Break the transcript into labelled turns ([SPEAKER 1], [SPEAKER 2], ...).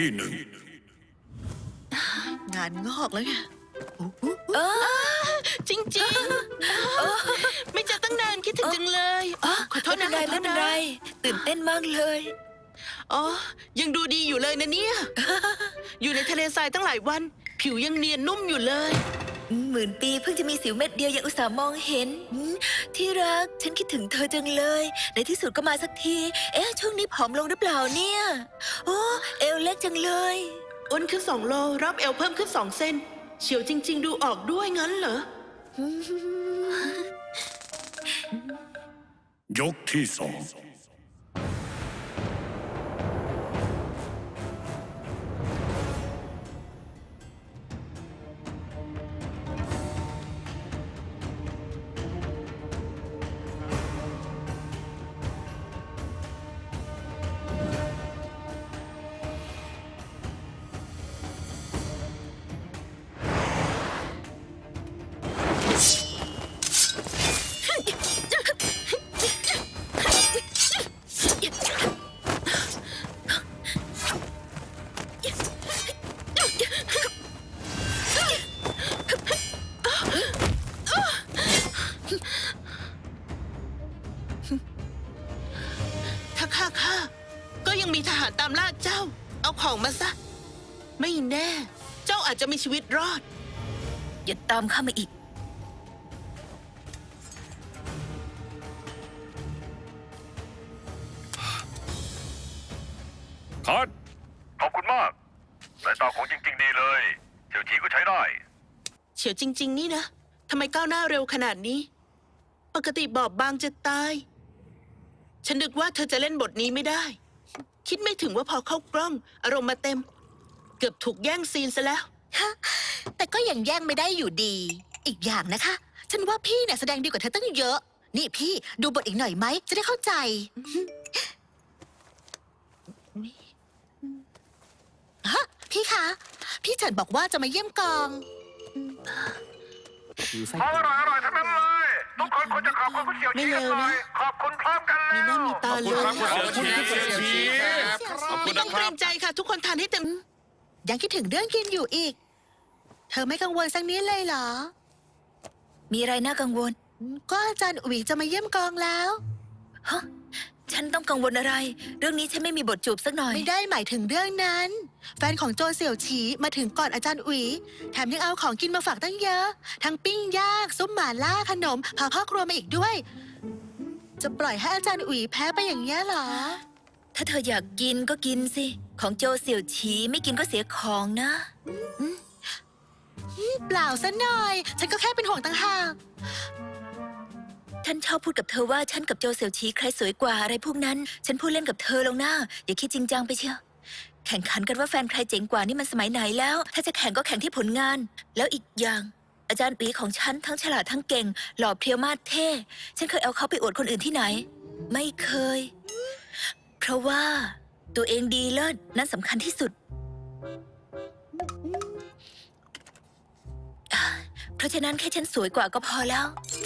[SPEAKER 1] หนึ่ง
[SPEAKER 2] งานงอกแล้วไงจริงๆไม่เจอตั้งนานคิดถึงจังเลยขอโทษนะ
[SPEAKER 3] ไม่เป็นไรตื่นเต้นมากเลย
[SPEAKER 2] อ๋อยังดูดีอยู่เลยนะเนี่ย อยู่ในทะเลทรายตั้งหลายวันผิวยังเนียนนุ่มอยู่เลย
[SPEAKER 3] 10,000 ปีเพิ่งจะมีสิวเม็ดเดียวยังอุตส่าห์มองเห็นที่รักฉันคิดถึงเธอจังเลยในที่สุดก็มาสักทีช่วงนี้ผอมลงหรือเปล่าเนี่ยโอ้เอวเล็กจังเลย
[SPEAKER 2] อ้วนขึ้น2 โลรับเอวเพิ่มขึ้น2 เซนเฉียวจริงๆดูออกด้วยงั้นเหรอ
[SPEAKER 1] ยกที่สอง
[SPEAKER 2] ถ้าฆ่าก็ยังมีทหารตามล่าเจ้าเอาของมาซะไม่แน่เจ้าอาจจะมีชีวิตรอด
[SPEAKER 3] อย่าตามข้ามาอีก
[SPEAKER 4] คัดขอบคุณมากสายตาของจริงๆดีเลยเฉียวฉีก็ใช้ได้
[SPEAKER 2] เฉียวจริงๆนี่นะทำไมก้าวหน้าเร็วขนาดนี้ปกติบอบบางจะตายฉันนึกว่าเธอจะเล่นบทนี้ไม่ได้คิดไม่ถึงว่าพอเข้ากล้องอารมณ์มาเต็มเกือบถูกแย่งซีนซะแล้ว
[SPEAKER 5] แต่ก็ยังแย่งไม่ได้อยู่ดีอีกอย่างนะคะฉันว่าพี่เนี่ยแสดงดีกว่าเธอตั้งเยอะนี่พี่ดูบทอีกหน่อยไหมจะได้เข้าใจฮะพี่คะพี่เฉินบอกว่าจะมาเยี่ยมกอง
[SPEAKER 4] ของอร่อยทั้งนั้นเลยทุกคนควรจะขอบคุณคุณเฉียวฉีกันหน่อยขอบคุณพร้อมกันเลย
[SPEAKER 2] มีหน้ามีตาเลย
[SPEAKER 4] ขอบคุณครับคุณเฉียวฉีขอบคุ
[SPEAKER 2] ไม่
[SPEAKER 4] ณ
[SPEAKER 2] ต้
[SPEAKER 4] นะ
[SPEAKER 2] อง
[SPEAKER 4] ค
[SPEAKER 2] เกร
[SPEAKER 4] รับ
[SPEAKER 2] งใจค่ะทุกคนทานให้เต็ม
[SPEAKER 5] ยังคิดถึงเรื่องกินอยู่อีกเธอไม่กังวลสักนิดเลยเหรอ
[SPEAKER 3] มีอะไรน่ากังวล
[SPEAKER 5] ก็อาจารย์อุ๋ยจะมาเยี่ยมกองแล้ว
[SPEAKER 3] ฮะฉันต้องกังวลอะไรเรื่องนี้ฉันไม่มีบทจูบสักหน่อย
[SPEAKER 5] ไม่ได้หมายถึงเรื่องนั้นแฟนของโจเสี่ยวฉีมาถึงก่อนอาจารย์อุ๋ยแถมยังเอาของกินมาฝากตั้งเยอะทั้งปิ้งย่างซุปหม่าล่าขนมพาพ่อครัวมาอีกด้วยจะปล่อยให้อาจารย์อุ๋ยแพ้ไปอย่างนี้เหรอ
[SPEAKER 3] ถ้าเธออยากกินก็กินสิของโจเสี่ยวฉีไม่กินก็เสียของนะ
[SPEAKER 5] เปล่าซะหน่อยฉันก็แค่เป็นห่วงต่างหาก
[SPEAKER 3] ฉันชอบพูดกับเธอว่าฉันกับโจเสี่ยวฉีใครสวยกว่าอะไรพวกนั้นฉันพูดเล่นกับเธอลงหน้าอย่าคิดจริงจังไปเชียวแข่งขันกันว่าแฟนใครเจ๋งกว่านี่มันสมัยไหนแล้วถ้าจะแข่งก็แข่งที่ผลงานแล้วอีกอย่างอาจารย์ปีของฉันทั้งฉลาดทั้งเก่งหล่อเพรียวมาสเท่ฉันเคยเอาเขาไปอวดคนอื่นที่ไหนไม่เคยเพราะว่าตัวเองดีเลิศนั่นสำคัญที่สุดเพราะฉะนั้นแค่ฉันสวยกว่าก็พอแล้ว